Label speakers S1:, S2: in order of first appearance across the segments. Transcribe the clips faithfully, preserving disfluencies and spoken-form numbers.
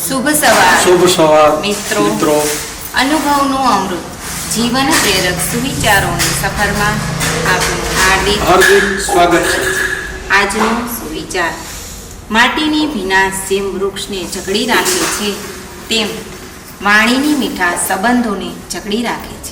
S1: શુભ સવાર
S2: શુભ સવાર
S1: મિત્રો
S2: મિત્રો
S1: અનુભવનું અમૃત જીવન પ્રેરક સુવિચારોની સફરમાં આપનું હાર્દિક
S2: હાર્દિક સ્વાગત છે.
S1: આજનો સુવિચાર: માટીની ભીનાશ જેમ વૃક્ષને જકડી રાખે છે, તેમ વાણીની મીઠાશ સંબંધોને જકડી રાખે છે.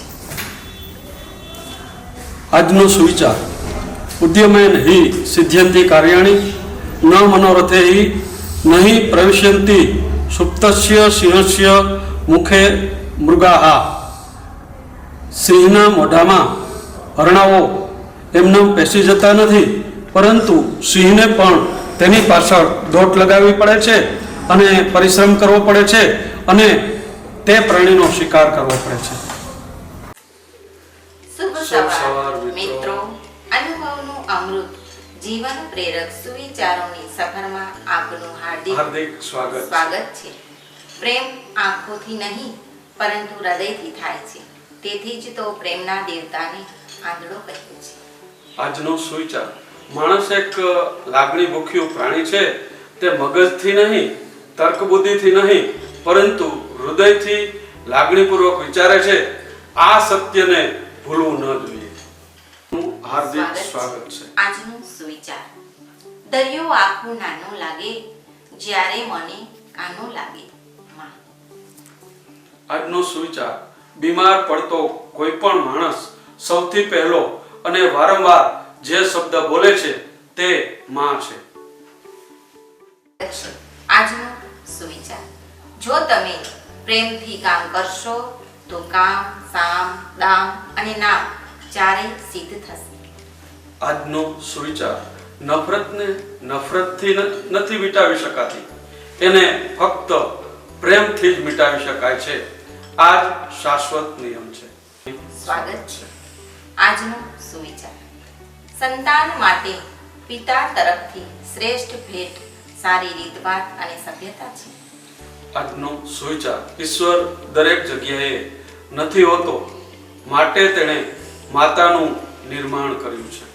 S2: આજનો સુવિચાર: ઉદ્યમેન હિ સિદ્ધ્યંતિ કાર્યાણિ ન મનોરથે હિ નહીં પ્રવિશ્યંતિ સુપ્તસ્ય સિંહસ્ય મુખે મૃગાહા. સિંહના મોઢામાં હરણાઓ એમને પેસી જતા નથી, પરંતુ સિંહને પણ તેની પાછળ દોટ લગાવવી પડે છે અને પરિશ્રમ કરવો પડે છે અને તે પ્રાણીનો શિકાર કરવો પડે છે.
S1: શુભ
S2: શુભ
S1: સવાર
S2: સવાર મિત્રો.
S1: મિત્રો અનુભવનું અમૃત જીવન પ્રેરક સુવિચારોની સફરમાં આપનું હાર્દિક
S2: હાર્દિક સ્વાગત.
S1: સ્વાગત છે. પ્રેમ આંખોથી નહીં પરંતુ હૃદયથી થાય છે. તેથી જ તો પ્રેમના દેવતાને આંધળો કહ્યો છે.
S2: આજનો સુવિચાર: માણસ એક લાગણી ભૂખ્યું પ્રાણી છે. તે મગજથી નહીં, તર્ક બુદ્ધિથી નહીં, પરંતુ હૃદયથી લાગણીપૂર્વક વિચારે છે. આ સત્યને ભૂલવું ન જોઈએ. હાર્દિક સ્વાગત છે.
S1: આજનો સુવિચાર: દરિયો આખો નાનો લાગે જ્યારે મને કાનો લાગે માં.
S2: આજનો સુવિચાર: બીમાર પડતો કોઈ પણ માણસ સૌથી પહેલો અને વારંવાર જે શબ્દ બોલે છે તે માં છે.
S1: આજનો સુવિચાર: જો તમે પ્રેમથી કામ કરશો તો કામ, સામ, દામ અને નામ ચારેય સિદ્ધ થશે.
S2: આજનો સુવિચાર: નફરતને નફરતથી ન- નથી મિટાવી શકાતી, એને ફક્ત પ્રેમથી જ મિટાવી શકાય છે. આ જ શાશ્વત નિયમ છે.
S1: સ્વાગત છે. આજનો સુવિચાર: સંતાન માટે પિતા તરફથી શ્રેષ્ઠ ભેટ સારી રીતભાત અને સભ્યતા છે.
S2: આજનો સુવિચાર: ઈશ્વર દરેક જગ્યાએ નથી હોતો, માટે તેણે માતાનું નિર્માણ કર્યું છે.